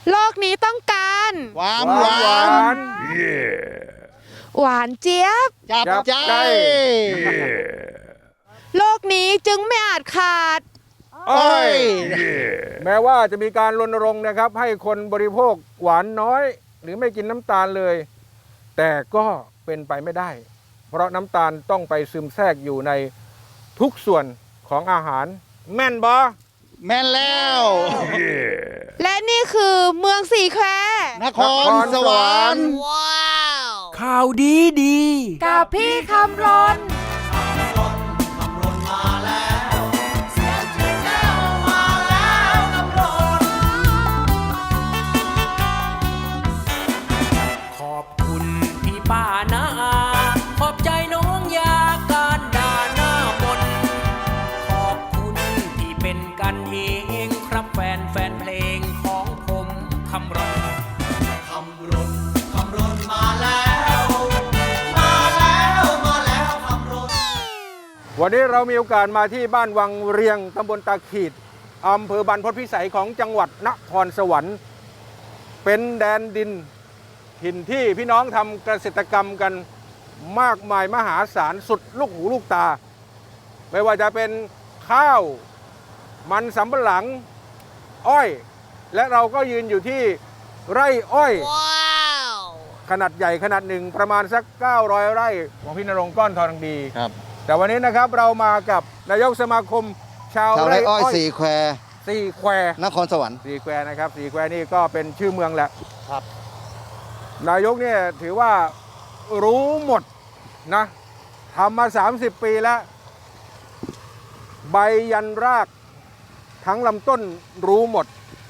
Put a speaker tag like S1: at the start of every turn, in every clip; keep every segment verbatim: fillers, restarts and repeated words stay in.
S1: โลกนี้ต้องการ
S2: ความหวาน
S1: หวานเจี๊ยบ
S2: จับใจ
S1: โลกนี้จึงไม่อาจขาด
S2: อ้อย
S3: แม้ว่าจะมีการรณรงค์นะครับให้คนบริโภคหวานน้อย หรือไม่กินน้ำตาลเลย แต่ก็เป็นไปไม่ได้ เพราะน้ำตาลต้องไปซึมแทรกอยู่ในทุกส่วนของอาหารแม่นบอ
S2: แม่นแล้ว
S1: และนี่คือเมืองสีแคว
S2: นครสวรรค์
S4: ข่าวดีดี
S1: กับพี่คำรน
S4: ขอบคุณพี่ป้านาอาขอบใจน้องยาการด่าหน้ามนขอบคุณที่เป็นกันเองครับแฟนแฟนเพลงของผมคำรณคำรณคำรณมาแล้ว มาแล้วมาแล้วคำรณ
S3: วันนี้เรามีโอกาสมาที่บ้านวังเรียงตำบลตาขีดอำเภอบรรพตพิสัยของจังหวัดนครสวรรค์ เป็นแดนดินถิ่นที่พี่น้องทำเกษตรกรรมกันมากมายมหาศาลสุดลูกหูลูกตา ไม่ว่าจะเป็นข้าวมันสำปะหลังอ้อย และเราก็ยืนอยู่ที่ไร่อ้อย ขนาดใหญ่ขนาดหนึ่งประมาณสักเก้าร้อยไร่ของพี่นรงค์ก้อนทองดี
S2: ครับ
S3: แต่วันนี้นะครับเรามากับนายกสมาคมชาว
S2: ชาว
S3: ไร่
S2: ไร่อ้
S3: อ้
S2: อ
S3: อย ย
S2: สี่แคว
S3: สี่แคว
S2: นครสวรรค์
S3: สี่แควนะครับสี่แควนี่ก็เป็นชื่อเมืองแหละ
S2: ครับ
S3: นายกเนี่ยถือว่ารู้หมดนะทำมา สามสิบ ปีแล้ว ใบยันรากทั้งลำต้นรู้หมด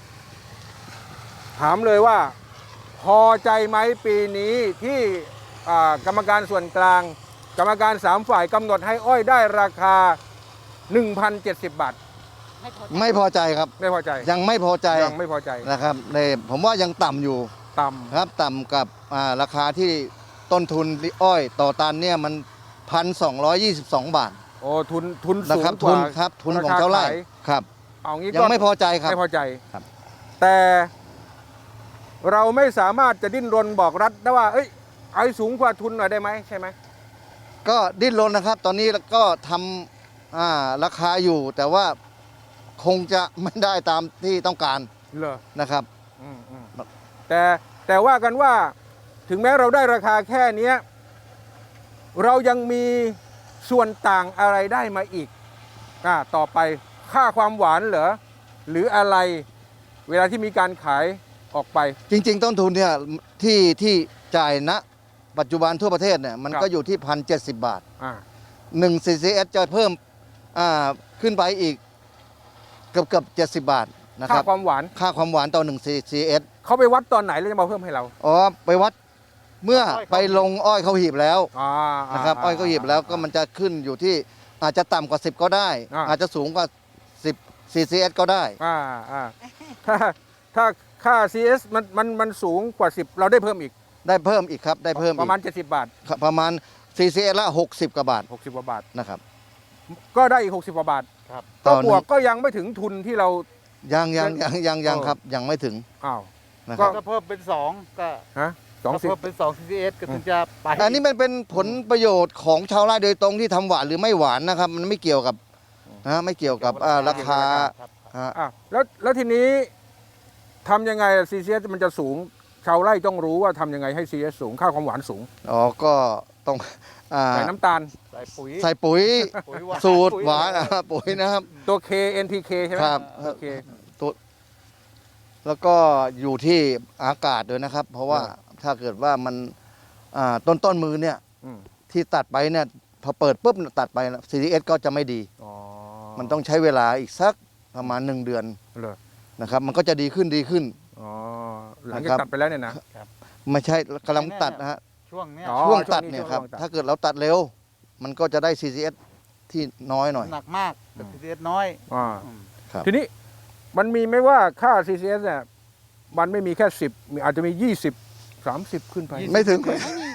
S3: ถามเลยว่า พอใจไหมปีนี้ที่อ่ากรรมการส่วนกลาง กรรมการสามฝ่ายกำหนดให้อ้อยได้ราคา หนึ่งพันเจ็ดสิบ บาท
S2: ไม่พอใจครับ
S3: ไม่พอใจ
S2: ยังไม่พอใจ
S3: ยังไม่พอใจ
S2: นะครับในผมว่ายังต่ำอยู่
S3: ต่ำ
S2: ครับต่ำกับอ่าราคาที่ต้นทุนอ้อยต่อตันเนี่ยมันพันสองร้อยยี่สิบสองบาท
S3: โอ้ทุนทุน
S2: นะ
S3: สูง
S2: ครับ
S3: ก
S2: ทุ
S3: ว่าน
S2: ครับทุนของเจ้าไร่
S3: ขย
S2: ครับ
S3: เอางี้
S2: ยัง
S3: ก็
S2: ไม่พอใจครับ
S3: ไม่พอใจ
S2: ครับ
S3: แต่เราไม่สามารถจะดิ้นรนบอกรัฐได้ว่า เอ้ยเอาให้สูงกว่าทุนหน่อยได้ไหมใช่ไหม
S2: ก็ดิ้นรนนะครับ ตอนนี้ก็ทำอ่าราคาอยู่ แต่ว่าคงจะไม่ได้ตามที่ต้องการ
S3: เหรอ
S2: นะครับ
S3: อืมอืมแต่แต่ว่ากันว่าถึงแม้เราได้ราคาแค่เนี้ยเรายังมีส่วนต่างอะไรได้มาอีกอ่าต่อไปค่าความหวานเหรอหรืออะไรเวลาที่มีการขายออกไป
S2: จริง ๆ ต้นทุนเนี่ยที่ที่จ่ายณปัจจุบันทั่วประเทศเนี่ยมัน
S3: ครับ
S2: ก็อยู่ที่พันเจ็ดสิบบาท
S3: อ่า
S2: หนึ่ง ซี ซี เอส จะเพิ่มอ่าขึ้นไปอีกเกือบเกือบเจ็ดสิบบาทนะค
S3: ค่า
S2: รับ
S3: ความหวาน
S2: ค่าความหวานต่อหนึ่ง ซี เอส
S3: เขาไปวัดตอนไหนแล้วจะมาเพิ่มให้เรา
S2: อ๋อไปวัดเมื่อไปลงอ้อยเข้าหีบแล้ว
S3: อ่า
S2: นะครับอ้อยเข้าหีบแล้วก็มันจะขึ้นอยู่ที่อาจจะต่ำกว่าสิบก็ได้
S3: อ่า
S2: อาจจะสูงกว่าสิบ ซี ซี เอส ก็ได้
S3: อ่าอ่าถ้าถ้าค่า ซี เอส มันมันมันสูงกว่าสิบเราได้เพิ่มอีก
S2: ได้เพิ่มอีกครับได้เพิ่ม
S3: ป
S2: อี
S3: ระ
S2: ก
S3: มาณเจ็ดสิบบาท
S2: ครับประมาณ ซี ซี เอส ละหกสิบกว่าบาท
S3: หกสิบกว่าบาท
S2: นะครับ
S3: ก็ได้อีกหกสิบกว่าบาท
S2: ครับ
S3: ก็
S2: ต่อบ หนึ่
S3: ว
S2: ง
S3: กก็ยังไม่ถึงทุนที่เรา
S2: ยังยังยังยังยัง
S3: เออ
S2: ครับยังไม่ถึง
S3: อ้าว
S2: นะค
S3: ก็
S2: รับ
S5: ถ้าเพิ่มเป็นสองก็
S3: ฮะสอง
S5: ถ้า
S3: สิบ
S5: เพิ่มเป็นสอง ซี ซี เอส ก็ถึงจะไป
S2: อันนี้มันเป็นผลประโยชน์ของชาวไร่โดยตรงที่ทำหวานหรือไม่หวานนะครับ มันไม่เกี่ยวกับนะฮะไม่เกี่ยวกับอ่าราคา
S5: ครับ
S2: ฮะ
S3: อ่ะแล้วแล้วทีนี้ทำยังไง ซี ซี เอส มันจะสูง ชาวไร่ต้องรู้ว่าทำยังไงให้ ซี เอส สูงค่าความหวานสูง
S2: อ๋อก็ต้องอ่า
S3: ใส่น้ำตาล
S5: ใส่ปุ๋ย
S2: ใส่ปุ๋ย
S5: ปุ๋ยหวาน
S2: สูตร
S5: ปุ๋ย
S2: หวานอ่ะปุ๋ยนะครับ
S3: ตัว K เอ็น พี เค ใช่ไหม
S2: ครับ
S3: โอเค
S2: ตัวแล้วก็อยู่ที่อากาศด้วยนะครับ เพราะว่า
S3: อ่า
S2: ถ้าเกิดว่ามันอ่าต้นต้นมือเนี่ย
S3: อืม
S2: ที่ตัดไปเนี่ยพอเปิดปุ๊บตัดไป ซี ดี เอส ก็จะไม่ดี
S3: อ๋อ
S2: มันต้องใช้เวลาอีกสักประมาณหนึ่งเดือน
S3: เหรอ
S2: นะครับ มันก็จะดีขึ้นดีขึ้น
S3: อ๋อหลัง
S2: นะค
S3: จา
S2: รั
S3: ก
S2: บ
S3: ตัดไปแล้วเนี่ยนะ
S2: ไม่ใช่กำลังตัดนะฮะ
S5: ช่วงเนี้ย
S3: อ๋อ
S2: ช่วง
S3: ช่วง
S2: ตัด
S3: นี้
S2: เนี่ย
S3: ช่วง
S2: ครับ
S3: ตัด
S2: ถ้าเกิดเราตัดเร็ว มันก็จะได้ ซี ซี เอส ที่น้อยหน่อย
S5: หนักมากแต่ ซี ซี เอส น้อย
S3: อ่า
S5: อืม
S2: ครับ
S3: ทีนี้มันมีไหมว่าค่า ซี ซี เอส เนี่ยมันไม่มีแค่สิบมีอาจจะมียี่สิบ สามสิบขึ้นไป
S2: ไม่ถึง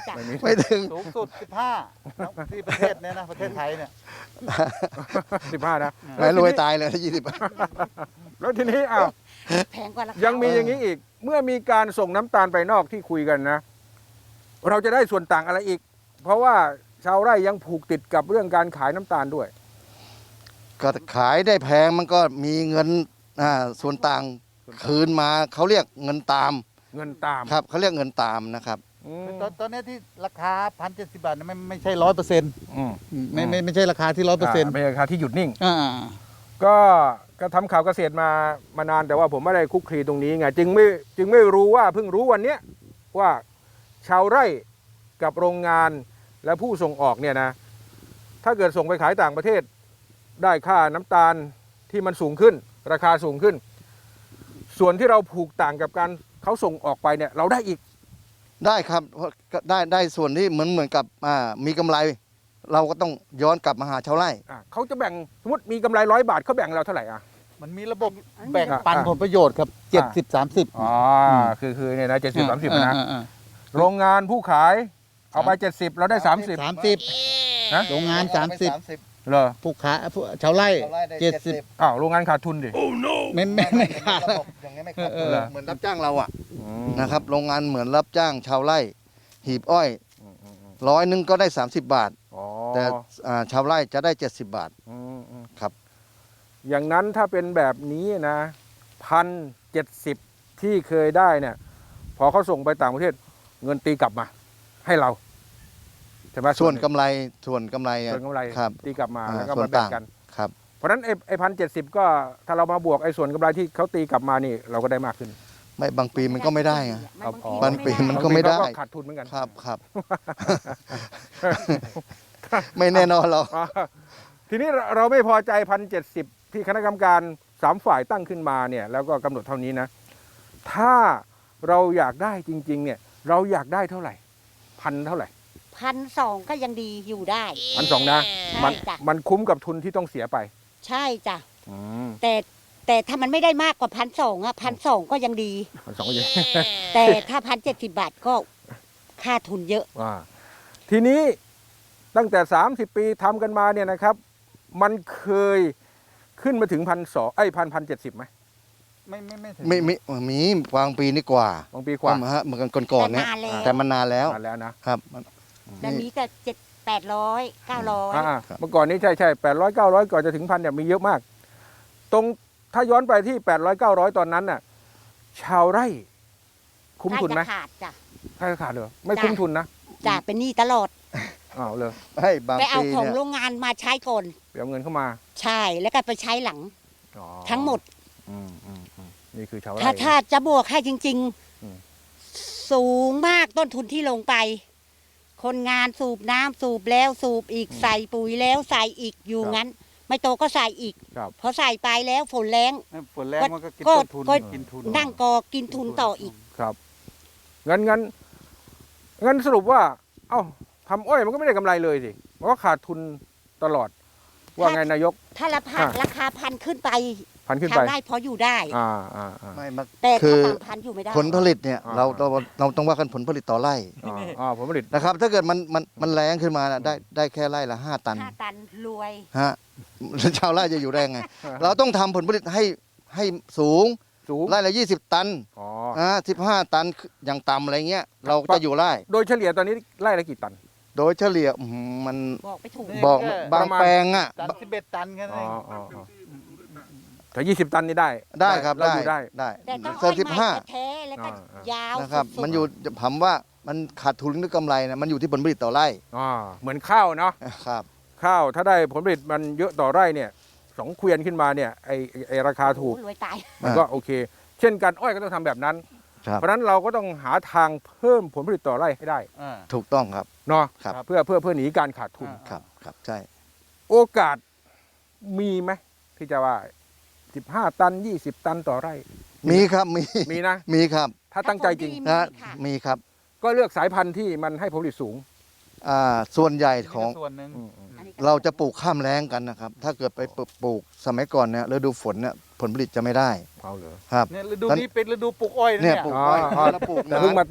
S1: จ้ะ
S3: ไม่มี
S2: ไม่ถึง
S5: สูงสุดสิบห้าที่ประเทศเนี้ยนะประเทศไทยเนี่ย
S3: สิบห้านะ
S2: ไม่รวยตายเลยถ้ายี่สิบ
S3: แล้วทีนี้อ้าว
S1: แพงกว่าราคา
S3: ยังมีอย่างนี้อีก เมื่อมีการส่งน้ำตาลไปนอกที่คุยกันนะ เราจะได้ส่วนต่างอะไรอีก เพราะว่าชาวไร่ยังผูกติดกับเรื่องการขายน้ำตาลด้วย
S2: ก็ขายได้แพงมันก็มีเงินอ่าส่วนต่างคืนมาเขาเรียกเงินตาม
S3: เงินตาม
S2: ครับเขาเรียกเงินตามนะครับ
S3: อืม
S5: ตอนตอนเนี้ยที่ราคาพันเจ็ดสิบบาทเนี่ยไม่ไม่ใช่ร้อยเปอร์เซ็นต์
S3: อืม
S5: ไม่ไม่ไม่ใช่ราคาที่ร้อยเปอร์เซ็นต์
S3: าเป็นราคาที่หยุดนิ่ง
S5: อ่า
S3: ก็ก็ทำข่าวเกษตรมามานานแต่ว่าผมไม่ได้คุกคลีตรงนี้ไงจึงไม่จึงไม่รู้ว่าเพิ่งรู้วันเนี้ยว่าชาวไร่กับโรงงานและผู้ส่งออกเนี่ยนะถ้าเกิดส่งไปขายต่างประเทศ ได้ค่าน้ำตาลที่มันสูงขึ้น ราคาสูงขึ้น ส่วนที่เราผูกต่างกับการเขาส่งออกไปเนี่ยเราได้อีก
S2: ได้ครับเพราะก็ได้ได้ส่วนที่เหมือนเหมือนกับอ่ามีกำไร เราก็ต้องย้อนกลับมาหาชาวไร่
S3: อ่ะเขาจะแบ่งสมมติมีกำไรร้อยบาทเขาแบ่งเราเท่าไหร่อ่ะ
S5: มันมีระบบแบ่งปัน
S3: อ่า
S5: ผลประโยชน์ครับเจ็ดสิบสามสิบ
S3: อ๋อคือคือเนี่ยนะเจ็ดสิบสามสิบนะ
S5: อ่าอ่า
S3: โรงงานผู้ขายเอาไปเจ็ดสิบเราได้สามสิบ
S5: สามสิบ
S3: นะ
S5: โรงงานสามสิบ
S3: เหรอ
S5: ผู้ค้าผู้ชาวไร่เจ็ดสิบ
S3: อ้าวโรงงานขาดทุนดิ
S5: ไม่ไม่ไม่ขาด
S2: ระบบอย่างนี้ไม่ขาด
S5: เออ
S2: เหมือนรับจ้างเราอ่ะนะครับโรงงานเหมือนรับจ้างชาวไร่ หีบอ้อยร้อยหนึงก็ได้ สามสิบบาท
S3: อ๋อ
S2: แต่อ่าชาวไร่จะได้ เจ็ดสิบบาท
S3: อืมอืม
S2: ครับ
S3: อย่างนั้นถ้าเป็นแบบนี้นะพันเจ็ดสิบที่เคยได้เนี่ย พอเขาส่งไปต่างประเทศเงินตีกลับมา ให้เราใช่ไหม
S2: ส่วนกำไรส่วนกำไรอ่ะ
S3: ส่วนกำไร
S2: ครับ
S3: ตีกลับมา
S2: อ่า
S3: แล้วก็
S2: ส่ว
S3: มาน แบ่ง
S2: ต่าง
S3: กัน
S2: ครับ
S3: เพราะฉะนั้นไอ้ไอ้พันเจ็ดสิบก็ถ้าเรามาบวกไอ้ส่วนกำไรที่เขาตีกลับมานี่เราก็ได้มากขึ้น
S2: ไม่บางปีมันก็ไม่ได้ไง
S1: บางที
S2: บางปี
S1: ไได้
S2: มันก็ไม่ได้
S3: บางทีเขาขาดทุนเหมือนกัน
S2: ครับครับ ไม่แน่นอนหรอก
S3: อ่าทีนี้เราเราไม่พอใจพันเจ็ดสิบที่คณะกรรมการสามฝ่ายตั้งขึ้นมาเนี่ยแล้วก็กำหนดเท่านี้นะ ถ้าเราอยากได้จริง ๆ เนี่ย เราอยากได้เท่าไหร่ พันเท่าไหร่
S1: พันสองก็ยังดีอยู่ได้
S3: พันสองนะ
S1: ใช่
S3: มัน
S1: จ้ะ
S3: มันคุ้มกับทุนที่ต้องเสียไป
S1: ใช่จ้ะ
S3: อืม
S1: แต่แต่ถ้ามันไม่ได้มากกว่าพันสองอะพันสองก็ยังดี
S3: พันสองก็เยอะ
S1: แต่ถ้าพันเจ็ดสิบบาทก็ค่าทุนเยอะ
S3: ว่าทีนี้ตั้งแต่สามสิบปีทำกันมาเนี่ยนะครับ มันเคยขึ้นมาถึงพันสองไอ้พันพันเจ็ดสิบไหม
S5: ไม่ไม่ไม่ถึง
S2: ไม่มีมีวางปีนี่กว่า
S3: บางปีกว่า
S2: ฮะเหมือนกันก่อนๆเนี่ย
S1: แต่นานแล้ว
S2: แต่มันนานแล้ว
S3: นานแล้วนะ
S2: ครับ
S1: แต่นี้ก็เจ็ดแปดร้อยเก้าร้อย
S3: อ่า
S2: ครับ
S3: เมื่อก่อนนี้ใช่ใช่แปดร้อยเก้าร้อยก่อนจะถึงพันเนี่ยมีเยอะมาก ตรงถ้าย้อนไปที่แปดร้อยเก้าร้อยตอนนั้นน่ะ ชาวไร่ คุ้มทุนไหม
S1: ใกล้จะขาดจ้ะ
S3: ถ้าขาดเหรอไม่
S1: จ้ะ
S3: คุ้มทุนนะ
S1: จ้ะเป็นหนี้ตลอด
S3: อ้าวเลย
S2: ให้บาง
S1: ไปเอา
S2: ปี
S1: ของ
S2: เนี่ย
S1: โรงงานมาใช้ก่อน
S3: ไปเอาเงินเข้ามา
S1: ใช่แล้วก็ไปใช้หลัง
S3: อ๋อ
S1: ทั้งหมด
S3: อืมอืมอืมนี่คือชาวไร่
S1: ถ้าถ้าจะบวกให้จริง
S3: อืม
S1: ๆ สูงมากต้นทุนที่ลงไป คนงานสูบน้ำสูบแล้วสูบอีกใส่ปุ๋ยแล้วใส่อีกอยู่งั้น ไม่โตก็ใส่อีก
S3: ครับ
S1: พอใส่ไปแล้วฝนแรง
S5: ฝนแรงมันก็กิน
S1: ก็
S5: ต้นทุน
S1: ก็
S5: กินทุน
S1: นั่งกอกินทุนต่ออีก
S3: ครับงั้นงั้นงั้นสรุปว่า เอ้าทำอ้อยมันก็ไม่ได้กำไรเลยสิมันก็ขาดทุนตลอด ว่าไงนายก
S1: ถ้าราคา
S3: อ่ะ
S1: ราคาพันขึ้นไป
S3: พันขึ้น
S1: ชา
S3: ไป
S1: วไร่พออยู่ได้
S3: อ่าอ่าอ่า
S2: ไม่มา
S1: แต่
S2: คื
S1: ถ้า
S2: อ
S1: สามพันอยู่ไม่ได้
S2: ผลผลิตเนี่ย
S3: อ่า
S2: เราเราเราต้องว่ากันผลผลิตต่อไร่
S3: อ่าอ่าผลผลิต
S2: นะครับ ถ้าเกิดมันมันมันแรงขึ้นมาน่ะได้ได้แค่ไร่ละห้าตัน
S1: ห้าตันรวย
S2: ฮะ ชาวไร่จะอยู่ได้ไง เราต้องทำผลผลิตให้ให้สูง
S3: สูง
S2: ไร่ละยี่สิบตัน
S3: อ๋อ
S2: อ่าสิบห้าตันอย่างต่ำอะไรเงี้ยเราจะอยู่ไร่
S3: โดยเฉลี่ยตอนนี้ไร่ละกี่ตัน
S2: โดยเฉลี่ยอื้อหือมัน
S1: บอกไปถูก
S2: บอก
S5: แค่
S2: บาง
S3: ประมาณ
S2: แปลงอ่ะ
S5: ตันสิบเอ็ดตันแค่นั้น
S3: อ๋อ
S5: เอง
S3: อ๋ออ๋อแต่ยี่สิบตันนี่ได้
S2: ได้ครับ
S3: เรา
S2: ได้
S3: อยู่ได้
S2: ได้
S1: แต่ต้อง
S2: เซอ
S1: อ้อ
S2: ร์
S1: ย
S2: สิบ
S1: ใหม่
S2: ห้า
S1: แท้ๆแล้วก็
S3: อ่าอ่าย
S1: าว
S2: นะครับ
S1: สุดๆ
S2: มันอยู่ผมว่ามันขาดทุนหรือกำไรนะมันอยู่ที่ผลผลิตต่อไร่
S3: อ่าเหมือนข้าวเนาะ
S2: ครับ
S3: ข้าวถ้าได้ผลผลิตมันเยอะต่อไร่เนี่ยสองเกวียนขึ้นมาเนี่ยไอไอ้ไอราคาถูก
S1: โอ้รวยตาย
S3: มันก็โอเค เช่นกันอ้อยก็ต้องทำแบบนั้น
S2: ครับ
S3: เพราะฉะนั้นเราก็ต้องหาทางเพิ่มผลผลิตต่อไร่ให้ได้
S5: อ่า
S2: ถูกต้องครับ
S3: เนาะ
S2: ครับ
S3: เพื่อเพื่อเพื่อหนีการขาดทุน
S5: อ่า
S2: ครับครับใช่
S3: โอกาสมีไหมที่จะว่าสิบห้าตันยี่สิบตันต่อไร่
S2: มีครับมี
S3: มีนะ
S2: มีครับ
S3: ถ้าตั้งใจจริง
S1: ถ้า
S2: นะ
S1: ผลดีมีค่ะ
S2: มีครับ
S3: ก็เลือกสายพันธุ์ที่มันให้ผลผลิตสูง
S2: อ่าส่วนใหญ่ของ
S5: นี่ก็ส่วนหนึ่ง
S3: อืมอืม
S1: อันนี้ก็
S2: เราจะปลูกข้ามแล้งกันนะครับ ถ้าเกิดไปปลูกสมัยก่อนเนี่ยฤดูฝนเนี่ยผลผลิตจะไม่ได้
S3: เอาเหรอ
S2: ครับ
S5: เนี่ยฤดูนี้เป็นฤดูปลูกอ้อยนะ
S2: เนี่
S5: เนี่ย ย
S2: ปลูกอ้อย
S3: อ๋อ
S2: แล้วปลูก
S3: แต่
S2: นา
S3: เพิ่งมาตัด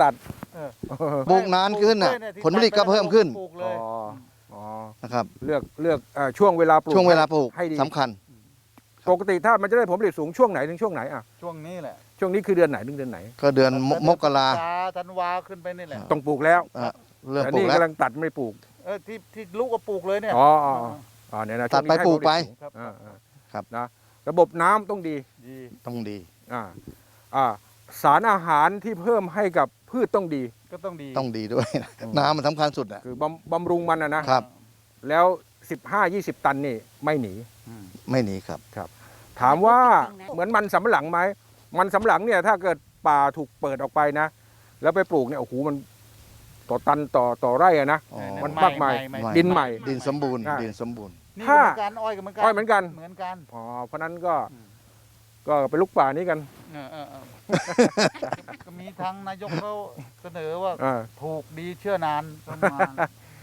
S5: เออ
S2: ปลูกนานขึ้นน่ะ
S5: ปลูกกล้วยเย
S2: ผลผลิตก็เพิ่มขึ้น
S5: ปลูกเลย
S3: อ๋ออ๋อ
S2: นะครับ
S3: เลือกเลือกเอ่อช่วงเวลาปลูก
S2: ช่วงเวลาปลูก
S3: ให้ดี
S2: สำคัญ
S3: ปกติถ้ามันจะได้ผลผลิตสูงช่วงไหนถึงช่วงไหนอ่ะ
S5: ช่วงนี้แหละ
S3: ช่วงนี้คือเดือนไหนถึงเดือนไหน
S2: ก็เดือนมมกรา
S5: ธันวาขึ้นไปนี่แหละ
S3: ต้องปลูกแล้ว
S2: อ่ะเริ่ม
S3: แต่
S2: ปลู
S3: นี่
S2: กแล้ว
S3: กำลังตัดไม่ปลูก
S5: เออที่ที่ลูกก็ปลูกเลยเนี่ย
S3: อ๋ออ๋ออ๋ออ๋อเนี่ยนะ
S2: ตัดไป
S3: ช่วงนี้ให้
S2: ปลูกไป
S3: ผลผลิตสูง
S5: ครับ
S3: อ่าอ่า
S2: ครับ
S3: นะระบบน้ำต้องดี
S5: ดี
S2: ต้องดี
S3: อ่าอ่าสารอาหารที่เพิ่มให้กับพืชต้องดี
S5: ก็ต้องดี
S2: ต้องดีด้วยนะ
S3: อืม
S2: น้ำมันสำคัญสุดอ่ะ
S3: คือบำบำรุงมันนะนะครับ แล้ว สิบห้า ยี่สิบ ตันนี่ไม่หนี
S5: อืม
S2: ไม่หนีครับ
S3: ถามว่า
S1: จริงๆนะ
S3: เหมือนมันสำปะหลังไหมมันสำปะหลังเนี่ยถ้าเกิดป่าถูกเปิดออกไปนะ แล้วไปปลูกเนี่ยโอ้โหมันต่อตันต่อต่อไร่อะนะ
S2: อ๋อ
S3: มันมากมาย
S5: ใหม่
S2: ใหม่
S3: ดินใหม่
S2: ดินสมบูรณ์
S3: อ่ะ
S2: ดินสมบูรณ์
S5: นี่
S3: ถ้า
S5: ก็เหมือนกันอ้อยก็เหมือนกัน
S3: อ้อยเหมือนกัน
S5: เหมือนกัน
S3: อ๋อเพราะฉะนั้นก็
S5: อืม
S3: ก็เป็นลูกป่านี้กัน
S5: เออเออเออ ก็มีทางนายกเขาเสนอว่า
S3: อ่า
S5: ถูกดีเชื่อนานประมาณ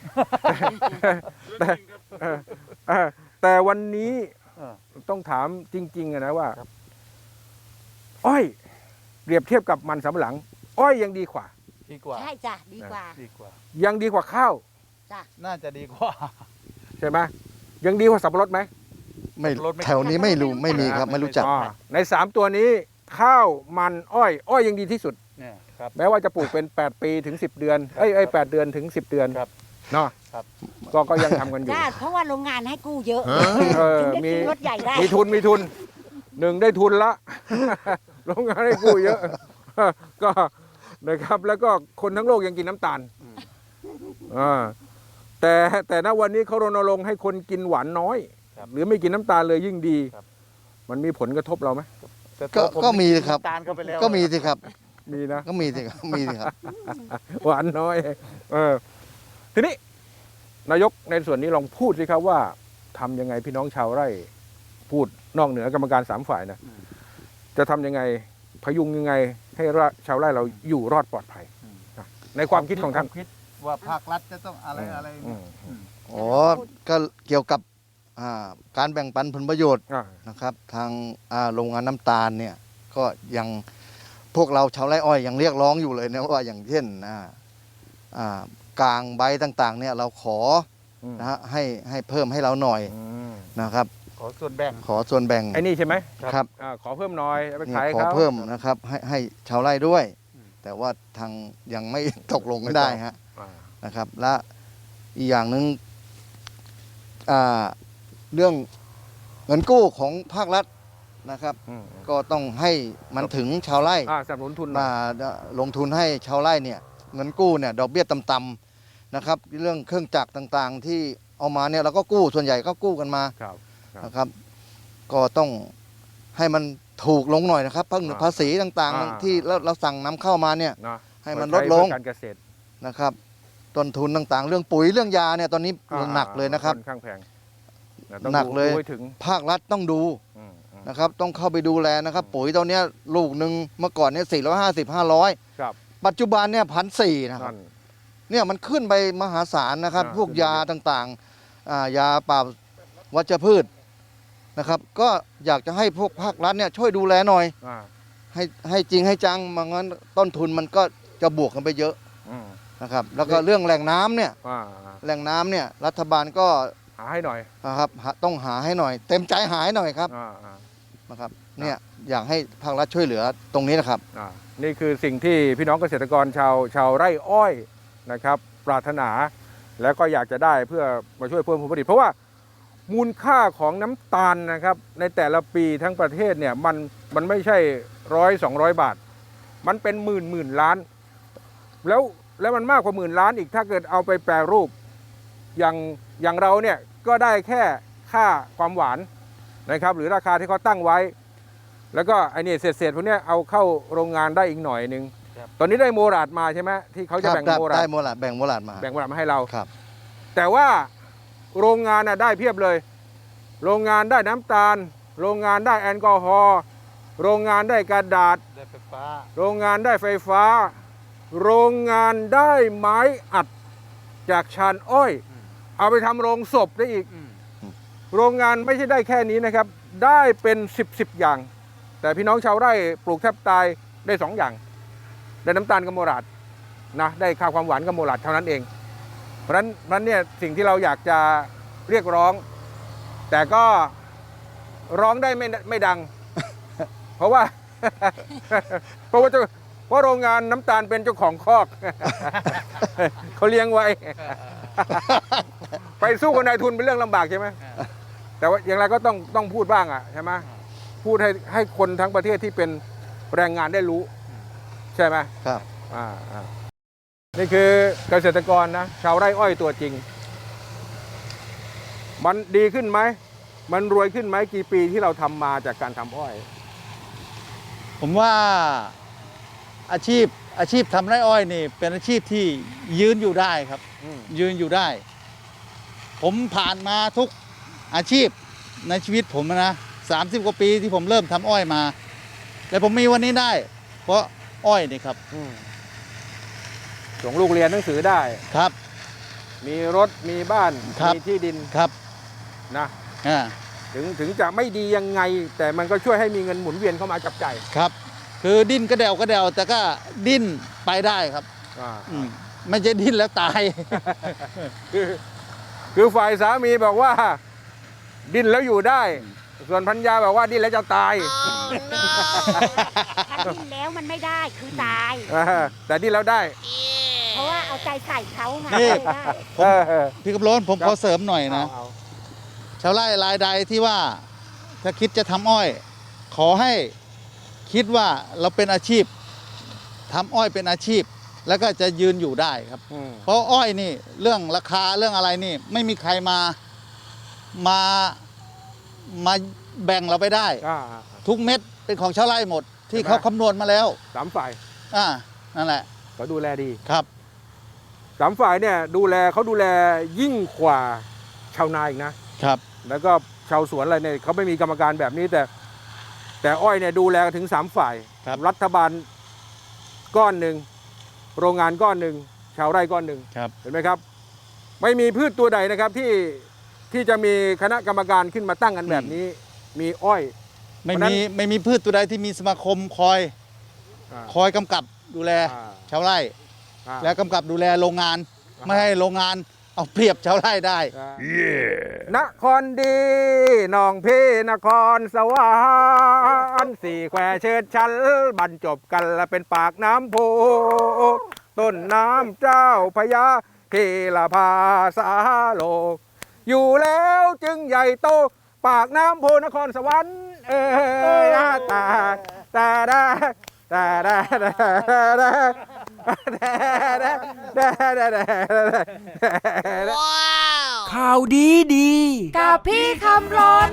S3: แต่เออเออแต่วันนี้
S5: เออ
S3: ต้องถามจริงๆอะนะว่า
S5: ครับ
S3: อ้อยเปรียบเทียบกับมันสำปะหลัง อ้อยยังดีกว่า
S5: ดีกว่า
S1: ใช่จ้ะดีกว่า
S5: ดีกว่า
S3: ยังดีกว่าข้าว
S5: น่าจะดีกว่า
S3: ใช่ไหมยังดีกว่าสับปะรดไหม
S2: ไม่
S5: รถไม่
S2: แถวนี้ไม่รู้ไม่มีครับ
S5: ไม่
S2: ไม่รู้จัก
S3: อ่าในสามตัวนี้ข้าวมันอ้อย อ้อยยังดีที่สุด
S5: เนี่ยครับ
S3: แม้ว่าจะปลูกเป็น แปด ปีถึง สิบ เดือนเอ้ยเอ้ยแปดเดือนถึง สิบ เดือน
S5: ครับ
S3: เนาะ
S5: ครับ
S3: ก็ก็ยังทำกันอยู่
S1: จ้าเพราะว่าโรงงานให้กู้เยอะ
S3: เออ
S1: ถึงได้
S3: มี
S1: ซื้อรถใหญ่ได้
S3: มีทุนมีทุนหนึ่งได้ทุนละ โรงงานให้กู้เยอะ ก็นะครับแล้วก็คนทั้งโลกยังกินน้ำตาลอ่าแต่แต่ณวันนี้เขารณรงค์ให้คนกินหวานน้อย
S5: ครับ
S3: หรือไม่กินน้ำตาลเลยยิ่งดี
S5: ครับ
S3: มันมีผลกระทบเราไหม
S5: แต่
S2: ก็
S5: ตัวผ
S2: ก็มีครับ
S5: น้ำตาลเข้าไปแล้ว
S2: ก็มีสิครับ
S3: มีนะ
S2: ก็มีสิครับมีสิครับ
S3: หวานน้อย เออ ทีนี้ นายกในส่วนนี้ลองพูดสิครับว่าทำยังไงพี่น้องชาวไร่ พูดนอกเหนือกรรมการสามฝ่ายนะ จะทำยังไงพยุงยังไง ให้ชาวไร่เราอยู่รอดปลอดภัยนะในความคิดของท่าน
S5: คิดว่าภาครัฐจะต้องอะไรอะไร
S3: อื
S5: เนี่ย
S3: ม
S5: อืม
S2: อ๋อ ก็เกี่ยวกับอ่าการแบ่งปันผลประโยชน์
S3: อ่า
S2: นะครับ ทางอ่าโรงงานน้ำตาลเนี่ย ก็ยังพวกเราชาวไร่อ้อยยังเรียกร้องอยู่เลยนะว่าอย่างเช่นอ่าอ่ากลางใบต่างๆ เนี่ยเราขอ
S3: อืม
S2: นะฮะให้ให้เพิ่มให้เราหน่อย
S3: อืม
S2: นะครับ
S5: ขอส่วนแบ่ง
S2: ขอส่วนแบ่ง
S3: ไอ้นี่ใช่ไหม
S2: ครับ
S3: อ่าขอเพิ่มหน้อยเอาไป
S2: เนี่ย
S3: ขาย
S2: ขอ
S3: เขา
S2: เพิ่มนะครับ ให้ให้ชาวไร่ด้วย
S5: อืม
S2: แต่ว่าทางยังไม่ ตกลงกันได้ฮะ
S3: อ่า
S2: นะครับ และอีกอย่างหนึ่งอ่าเรื่องเงินกู้ของภาครัฐนะครับ
S3: อืม
S2: ก็ต้องให้มันถึงชาวไร่
S3: อ่าสนับสนุนทุนหน่อย
S2: มาลงทุนให้ชาวไร่เนี่ยเงินกู้เนี่ยดอกเบี้ยต่ำๆนะครับ เรื่องเครื่องจักรต่างๆ ที่เอามาเนี่ยเราก็กู้ส่วนใหญ่ก็กู้กันมา
S3: ครับ ครับ
S2: นะครับ ก็ต้องให้มันถูกลงหน่อยนะครับภา
S3: อ่า
S2: ภาษีต่าง
S3: อ่า
S2: ๆ ที่เราเราสั่งนำเข้ามาเนี่ย
S3: นะ
S2: ให้มัน
S3: เปิ
S2: ลด
S3: ใช้
S2: ลง
S3: เพื่อการเกษตร
S2: นะครับ ต้นทุนต่างๆ เรื่องปุ๋ยเรื่องยาเนี่ยตอนนี้
S3: อ่า
S2: หนักเลยนะครับ
S3: ค่อนข้างแพงะต้อง
S2: หนัก
S3: ดู
S2: เลย
S3: ดูให้ถึง
S2: ภาครัฐต้องดู
S3: อืมอืม
S2: นะครับ ต้องเข้าไปดูแลนะครับ ปุ๋ยตัวเนี้ยลูกหนึ่งเมื่อก่อนเนี่ยสี่ร้อยห้าสิบห้าร้อย
S3: ครับ
S2: ปัจจุบันเนี่ยพันสี่นะครับ
S3: นั่น
S2: เนี่ยมันขึ้นไปมหาศาลนะครับ
S3: อ่า
S2: พวก
S3: ขึ้นไป
S2: ยาต่างๆอ่ายาปราบวัชพืชนะครับ ก็อยากจะให้พวกภาครัฐเนี่ยช่วยดูแลหน่อย
S3: อ่า
S2: ให้ให้จริงให้จังไมางั้นต้นทุนมันก็จะบวกกันไปเยอะ
S3: อืม
S2: นะครับ แล้วก็เรื่องแหล่งน้ำเนี่ย
S3: อ่า
S2: แหล่งน้ำเนี่ยรัฐบาลก็
S3: หาให้หน่อย
S2: นะครับหาต้องหาให้หน่อย เต็มใจหาให้หน่อยครับ
S3: อ่าอ่า
S2: นะครับเนี่ยอยากให้ภาครัฐช่วยเหลือตรงนี้นะครับ
S3: อ่านี่คือสิ่งที่พี่น้องเกษตรกรชาวชาวไร่อ้อยนะครับ ปรารถนา แล้วก็อยากจะได้เพื่อมาช่วยเพิ่มผลผลิต เพราะว่ามูลค่าของน้ำตาลนะครับ ในแต่ละปีทั้งประเทศเนี่ยมันมันไม่ใช่ร้อยสองร้อยบาท มันเป็นหมื่นหมื่นล้าน แล้วแล้วมันมากกว่าหมื่นล้านอีกถ้าเกิดเอาไปแปรรูป อย่างอย่างเราเนี่ยก็ได้แค่ค่าความหวานนะครับ หรือราคาที่เขาตั้งไว้ แล้วก็ไอ้นี่เศษๆพวกเนี้ยเอาเข้าโรงงานได้อีกหน่อยหนึ่ง
S5: ครับ
S3: ตอนนี้ได้โมราดมาใช่ไหมที่เขาจะแบ่ง
S2: ครับ
S3: โมรา
S2: ได้
S3: ด
S2: โมลาดแบ่งโมลาดมา
S3: แบ่งโมราดมาให้เรา
S2: ครับ
S3: แต่ว่าโรงงานน่ะได้เพียบเลย โรงงานได้น้ำตาล โรงงานได้แอลกอฮอล์โรงงานได้กระดาษ
S5: ได้ไฟฟ้า
S3: โรงงานได้ไฟฟ้า โรงงานได้ไม้อัดจากชานอ้อย
S5: อืม
S3: เอาไปทำโรงศพได้อีก
S5: อืม
S3: โรงงานไม่ใช่ได้แค่นี้นะครับ ได้เป็นสิบสิบอย่าง แต่พี่น้องชาวไร่ปลูกแทบตายได้สองอย่าง ได้น้ำตาลกับโมราดนะได้ค่าความหวานกับโมลัดเท่านั้นเอง เพราะฉะนั้นเพราะฉะนั้นเนี่ยสิ่งที่เราอยากจะเรียกร้อง แต่ก็ร้องได้ไม่ไม่ดัง เพราะว่า เพราะว่าเจ้าเพราะโรงงานน้ำตาลเป็นเจ้าของคอก เขาเลี้ยงไว้ ไปสู้กับนายทุนเป็นเรื่องลำบากใช่ไหมแต่ว่าอย่างไรก็ต้องต้องพูดบ้างอ่ะใช่ไหมพูดให้ให้คนทั้งประเทศที่เป็นแรงงานได้รู้ ใช่ไหม
S2: ครับ
S3: อ่าอ่านี่คือเกษตรกรนะชาวไร่อ้อยตัวจริง มันดีขึ้นไหมมันรวยขึ้นไหมกี่ปีที่เราทำมาจากการทำอ้อย
S5: ผมว่าอาชีพอาชีพทำไร่อ้อยนี่เป็นอาชีพที่ยืนอยู่ได้ครับ
S3: อืม
S5: ยืนอยู่ได้ ผมผ่านมาทุกอาชีพในชีวิตผมนะสามสิบกว่าปีที่ผมเริ่มทำอ้อยมาแต่ผมมีวันนี้ได้ เพราะอ้อยนี่ครับ
S3: อืมส่งลูกเรียนหนังสือได้
S5: ครับ
S3: มีรถมีบ้าน
S5: ครับ
S3: มีที่ดิน
S5: ครับ
S3: นะ
S5: อ่า
S3: ถึงถึงจะไม่ดียังไง แต่มันก็ช่วยให้มีเงินหมุนเวียนเข้ามาจับจ่าย
S5: ครับ คือดิ้นกระเดวกระเดวแต่ก็ดิ้นไปได้ครับ
S3: อ่า
S5: อืมไม่ใช่ดิ้นแล้วตาย
S3: คือคือฝ่ายสามีบอกว่า ดิ้นแล้วอยู่ได้ ส่วนพัญญาบอกว่าดิ้นแล้วจะตาย
S1: ถ้าดิ้นแล้วมันไม่ได้คือตาย
S3: อ่าแต่ดิ้นแล้วได้
S1: เพราะว่าเอาใจใส่เขาไง
S5: นี่
S1: เลยได้
S3: เออเออ
S5: พี่กำลนผม
S3: ครับ
S5: ขอเสริมหน่อยนะ
S3: เอา
S5: ชาวไร่รายใดที่ว่าถ้าคิดจะทำอ้อย ขอให้คิดว่าเราเป็นอาชีพทำอ้อยเป็นอาชีพ แล้วก็จะยืนอยู่ได้ครับ
S3: อืม
S5: เพราะอ้อยนี่เรื่องราคาเรื่องอะไรนี่ ไม่มีใครมามามาแบ่งเราไปได้
S3: อ่า
S5: ทุกเม็ดเป็นของชาวไร่หมด ที่
S3: ใช่ไหม
S5: เขาคำนวณมาแล้ว
S3: สามฝ่าย
S5: อ่านั่นแหละ
S3: เขาดูแลดี
S5: ครับ
S3: สามฝ่ายเนี่ยดูแลเขาดูแลยิ่งกว่าชาวนาอีกนะ
S5: ครับ
S3: แล้วก็ชาวสวนอะไรเนี่ยเขาไม่มีกรรมการแบบนี้แต่ แต่อ้อยเนี่ยดูแลถึงสามฝ่าย
S5: ครับ
S3: รัฐบาลก้อนหนึ่งโรงงานก้อนหนึ่งชาวไร่ก้อนหนึ่ง
S5: ครับ
S3: เห็นไหมครับ ไม่มีพืชตัวใดนะครับที่ที่จะมีคณะกรรมการขึ้นมาตั้งกันแบบนี้ มีอ้อย
S5: ไม่
S3: เพราะฉะนั้
S5: มี
S3: น
S5: ไม่มีพืชตัวใดที่มีสมาคมคอย
S3: อ่า
S5: คอยกำกับดูแล
S3: อ่า
S5: ชาวไร่
S3: อ่า
S5: และกำกับดูแลโรงงาน
S3: อ่า
S5: ไม่ให้โรงงานเอาเปรียบชาวไร่ได้
S3: นครดีหนองพี่นครสวรรค์สี่แควเชิดชันบรรจบกันและเป็นปากน้ำโพต้นน้ำเจ้าพญาเทลภาสาโลก อยู่แล้วจึงใหญ่โตปากน้ำโพนครสวรรค์เอ้ยตาตาดาตาดาตาดา
S4: ข่าวดีดี
S6: กับพี่คำรน